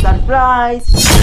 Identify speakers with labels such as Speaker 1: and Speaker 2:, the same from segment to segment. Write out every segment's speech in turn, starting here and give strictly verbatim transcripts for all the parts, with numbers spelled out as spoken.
Speaker 1: Surprise.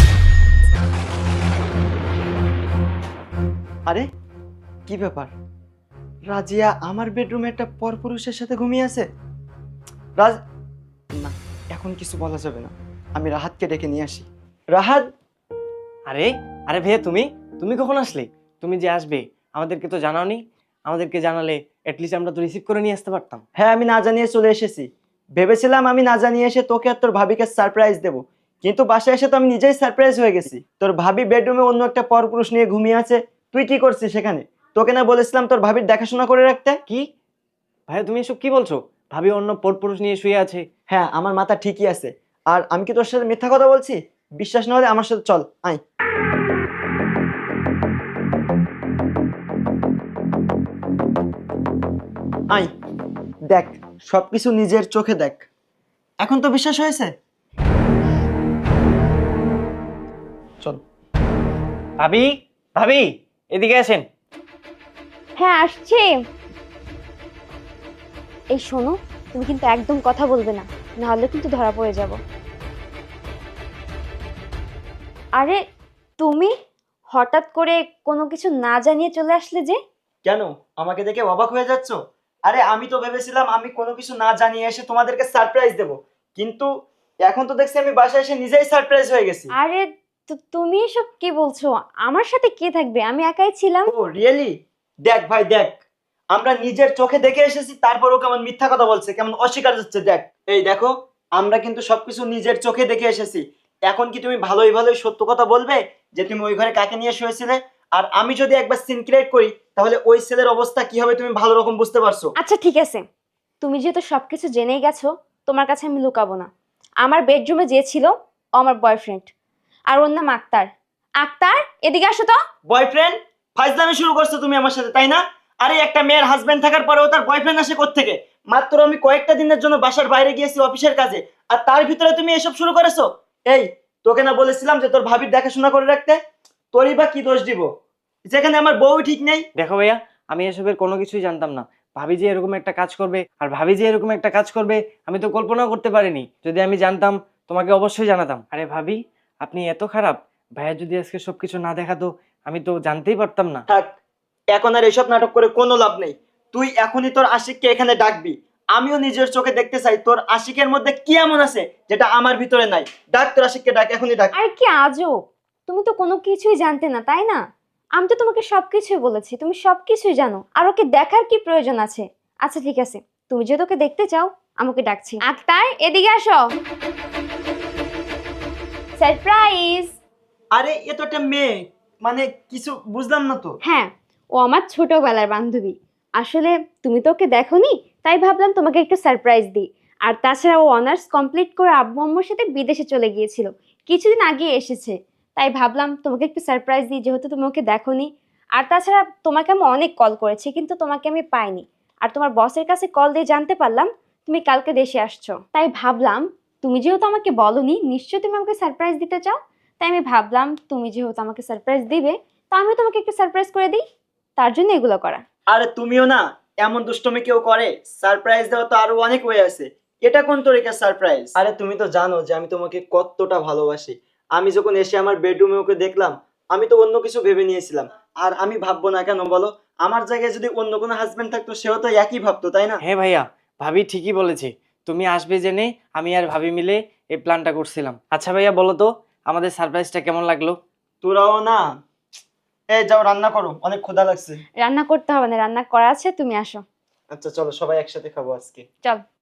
Speaker 1: আরে কি ব্যাপার, রাজিয়া আমার বেডরুমে একটা পরপুরুষের সাথে ঘুমিয়ে আছে। রাজ না, এখন কিছু বলা যাবে না, আমি রাহাতকে ডেকে নিয়ে আসি। রাহাত।
Speaker 2: আরে আরে ভাইয়া, তুমি তুমি কখন আসলে? তুমি যে আসবে আমাদেরকে তো জানাওনি। আমাদেরকে জানালে অ্যাটলিস্ট আমরা তো রিসিভ করে নিয়ে আসতে পারতাম।
Speaker 1: হ্যাঁ, আমি না জানিয়ে চলে এসেছি। ভেবেছিলাম আমি না জানিয়ে এসে তোকে আর তোর ভাবিকে সারপ্রাইজ দেব, কিন্তু বাসায় এসে তো আমি নিজেই সারপ্রাইজ হয়ে গেছি। তোর ভাবি বেডরুমে অন্য একটা পরপুরুষ নিয়ে ঘুমিয়ে আছে, তুই কি করছিস সেখানে? তোকে না বলেছিলাম তোর ভাবির দেখাশোনা করে রাখতে?
Speaker 2: কি ভাইয়া, তুমি এসব কি বলছো? ভাবি অন্য পরপুরুষ নিয়ে শুয়ে আছে?
Speaker 1: হ্যাঁ, আমার মাথা ঠিকই আছে। আর আমি কি তোর সাথে মিথ্যা কথা বলছি? বিশ্বাস না হলে আমার সাথে চল, আয়। আয়, দেখ, সবকিছু নিজের চোখে দেখ। এখন তো বিশ্বাস হয়েছে? চল।
Speaker 2: ভাবি, ভাবি এদিকে আসেন।
Speaker 3: হ্যাঁ, আসছে। এই শোনো, তুমি কিন্তু একদম কথা বলবে না, নাহলে কিন্তু ধরা পড়ে যাব। আরে তুমি হঠাৎ করে কোনো কিছু না জানিয়ে চলে আসলে যে?
Speaker 1: কেন, আমাকে দেখে অবাক হয়ে যাচ্ছ? আরে আমি তো ভেবেছিলাম আমি কোনো কিছু না জানিয়ে এসে তোমাদেরকে সারপ্রাইজ দেব, কিন্তু এখন তো দেখছি আমি বাসায় এসে নিজেই সারপ্রাইজ হয়ে গেছি।
Speaker 3: আরে তু- তুমি এসব কি বলছো? আমার সাথে কে থাকবে? আমি একাই ছিলাম।
Speaker 1: Oh really? দেখ ভাই দেখ, আমরা নিজের চোখে দেখে এসেছি, তারপরও কেমন মিথ্যা কথা বলছে, কেমন অস্বীকার হচ্ছে। দেখ, এই দেখো, আমরা কিন্তু সবকিছু নিজের চোখে দেখে এসেছি। এখন কি তুমি ভালোই ভালোই সত্য কথা বলবে যে তুমি ওই ঘরে কাকে নিয়ে শুয়েছিলে? আর আমি যদি একবার সিন ক্রিয়েট করি, তাহলে ওই ছেলের অবস্থা কি হবে তুমি ভালো রকম বুঝতে পারছো।
Speaker 3: আচ্ছা ঠিক আছে, তুমি যেহেতু সবকিছু জেনেই গেছো, তোমার কাছে আমি লুকাবো না। আমার বেডরুমে যে ছিল ও আমার বয়ফ্রেন্ড, আর ওর নাম আক্তার। আক্তার, এদিকে আসো তো।
Speaker 1: বয়ফ্রেন্ড? ফাইজলামি শুরু করছো তুমি আমার সাথে, তাই না? আরে একটা মেয়ের হাজবেন্ড থাকার পরেও তার বয়ফ্রেন্ড আসে কোত্থেকে? মাত্র আমি কয়েকটা দিনের জন্য বাসার বাইরে গিয়েছি অফিসের কাজে, আর তার ভিতরে তুমি এসব শুরু করেছো? এই, তোকে না বলেছিলাম যে তোর ভাবির দেখাশোনা করে রাখতে? তোরই বা কি দোষ দিব, যেখানে আমার বউ ঠিক নেই?
Speaker 2: দেখো ভাইয়া, আমি এসবের কোনো কিছুই জানতাম না। ভাবি যে এরকম একটা কাজ করবে, আর ভাবি যে এরকম একটা কাজ করবে আমি তো কল্পনাও করতে পারিনি। যদি আমি জানতাম তোমাকে অবশ্যই জানাতাম। আরে ভাবি, আপনি এত খারাপ? ভাইয়া যদি আজকে সবকিছু না দেখাতো আমি তো জানতেই পারতাম না।
Speaker 1: থাক, এখন আর এসব নাটক করে কোনো লাভ নেই। তুই এখনই তোর আশিককে এখানে ডাকবি। আমিও নিজের চোখে দেখতে চাই তোর আশিকের মধ্যে কি এমন আছে যেটা আমার ভিতরে নাই। ডাক তোর আশিককে, ডাক, এখনই ডাক।
Speaker 3: আর কি আজব, তুমি তো কোনো কিছুই জানতে না, তাই না? আমি তো তোমাকে সবকিছুই বলেছি, তুমি সবকিছুই জানো। আর ওকে দেখার কি প্রয়োজন আছে? আচ্ছা ঠিক আছে, তুমি যেহেতু ওকে দেখতে চাও, আমাকে ডাকছি। আক্তার, এদিকে আসো। সারপ্রাইজ।
Speaker 1: আরে এ তো একটা মেয়ে, মানে কিছু বুঝলাম না তো।
Speaker 3: হ্যাঁ, ও আমার ছোটবেলার বান্ধবী। আসলে তুমি তো ওকে দেখোনি, তাই ভাবলাম তোমাকে একটু সারপ্রাইজ দিই। আর তাছাড়া ও অনার্স কমপ্লিট করে আব্বু আম্মুর সাথে বিদেশে চলে গিয়েছিল, কিছুদিন আগে এসেছে। তাই ভাবলাম তোমাকে একটু সারপ্রাইজ দিই, যেহেতু তুমি ওকে দেখোনি। আর তাছাড়া তোমাকে আমি অনেক কল করেছি, কিন্তু তোমাকে আমি পাইনি। আর তোমার বসের কাছে কল দিয়ে জানতে পারলাম তুমি কালকে দেশে আসছো। তাই ভাবলাম, তুমি যেহেতু আমাকে বলোনি, নিশ্চয়ই তুমি আমাকে সারপ্রাইজ দিতে চাও। তাই আমি ভাবলাম তুমি যেহেতু আমাকে সারপ্রাইজ দিবে, তা আমি তোমাকে একটু সারপ্রাইজ করে দিই, তার জন্য এগুলো করা।
Speaker 1: আরে তুমিও না, এমন দুষ্টমি কেউ করে? সারপ্রাইজ দেওয়া তো আরো অনেক ওয়ে আছে, এটা কোন তরিকার সারপ্রাইজ? আরে তুমি তো জানো যে আমি তোমাকে কতটা ভালোবাসি। আমি যখন এসে আমার বেডরুমে ওকে দেখলাম, আমি তো অন্য কিছু ভেবে নিয়েছিলাম। আর আমি ভাববো না কেন বলো? আমার জায়গায় যদি অন্য কোনো হাজবেন্ড থাকতো, সেও তো একই ভাবতো, তাই না?
Speaker 2: হ্যাঁ ভাইয়া, ভাবি ঠিকই বলেছে। তুমি আসবে জেনে আমি আর ভাবি মিলে এই প্ল্যানটা করছিলাম। আচ্ছা ভাইয়া, বলো তো আমাদের সারপ্রাইজটা কেমন লাগলো?
Speaker 1: তোরাও না, এই যাও রান্না করো, অনেক ক্ষুধা লাগছে।
Speaker 3: রান্না করতে হবে না, রান্না করা আছে, তুমি আসো।
Speaker 1: আচ্ছা চলো, সবাই একসাথে খাবো আজকে।
Speaker 3: চল।